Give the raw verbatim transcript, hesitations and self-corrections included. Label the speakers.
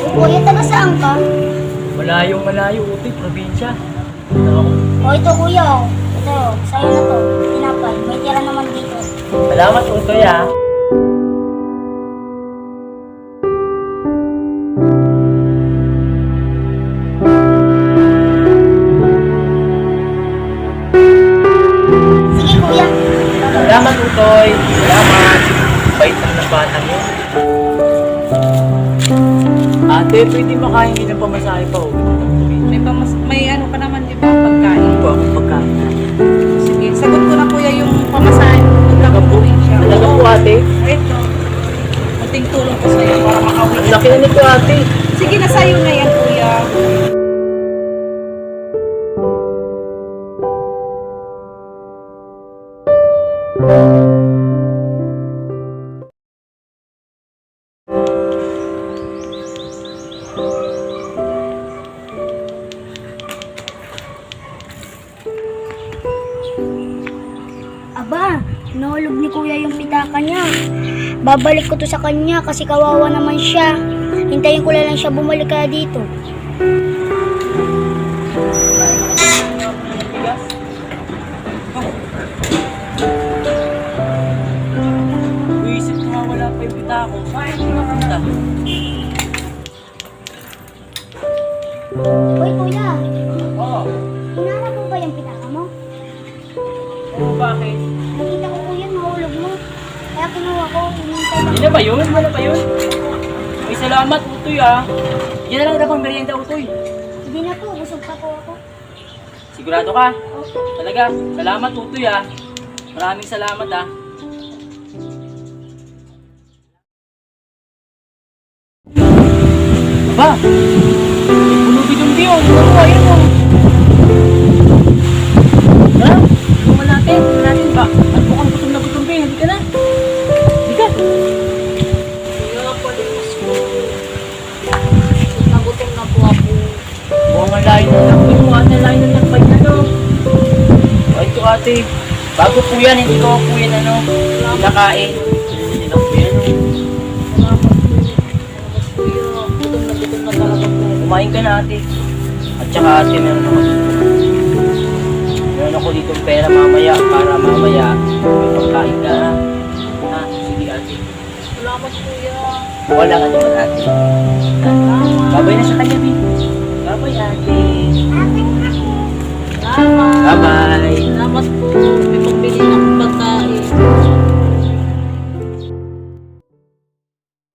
Speaker 1: Kuya, taga saan ka?
Speaker 2: Malayong malayo, utoy, probinsya. Ito ako.
Speaker 1: O ito kuya, o. Ito, sa'yo na to. Tinapay, may tira naman dito.
Speaker 2: Salamat, utoy ah.
Speaker 1: Sige kuya.
Speaker 2: Salamat, utoy. Salamat. Bait lang ng batang yun. Ate, pwede makain din ng pamasahe pa, utoy.
Speaker 3: May, pamas may ano pa naman, di ba, pagkain.
Speaker 2: Ano ba akong pagkain?
Speaker 3: Sige, sagot ko na kuya yung pamasahin. Talaga po siya.
Speaker 2: Talaga po, ate.
Speaker 3: Ito. Kunting tulong ko sa'yo para makauwi.
Speaker 2: Ang laki na nito, ate.
Speaker 3: Sige na sa'yo na yan, kuya.
Speaker 1: Aba, nahulog ni kuya yung pitaka niya. Babalik ko to sa kanya kasi kawawa naman siya. Hintayin ko na lang siya bumalik kaya dito.
Speaker 2: Uisip ko nga wala pa yung pita ko. Saan ko napunta?
Speaker 1: Hoy kuya,
Speaker 2: Oo.
Speaker 1: hinanap mo ba yung pitaka mo?
Speaker 2: Oo, bakit?
Speaker 1: Nakita ko kuya, nahulog mo. Kaya kinuha ko, hinintay lang.
Speaker 2: Yan na ba yun? Yan na ba yun? Ay, salamat, utoy ah. Yan na lang na pang merienda, utoy.
Speaker 1: Hindi na po, busog pa po ako.
Speaker 2: Sigurado ka?
Speaker 1: Okay.
Speaker 2: Talaga, salamat, utoy ah. Maraming salamat ah. Aba, may pulubid-umbi yun. Ano, ayun o. Ha? Tulungan natin, tulungan natin ba? At mukhang gutom na gutom ba, hindi ka na. Hindi ka.
Speaker 3: Kuya, palipas ko. Nagutom na po ako.
Speaker 2: Mukhang ang layo ng lakbay mo, ate, ang layo ng lakbay na no. O, ito ate, bago po yan, hindi ko po yan ano, nakain. Hindi lang po yan.
Speaker 3: Salamat po. Salamat kuya. Gutom na gutom na talaga po.
Speaker 2: Kumain ka na ate. At saka ate, meron ako dito. Meron ako dito pera mamaya para mamaya may pagkain ka ha. Ha, sige ate.
Speaker 3: Salamat kuya.
Speaker 2: Wala ka naman ate. Babay na sa kanya, Bin. Babay ate.
Speaker 3: Salamat.
Speaker 2: Bye-bye.
Speaker 3: Salamat po. May pagbili na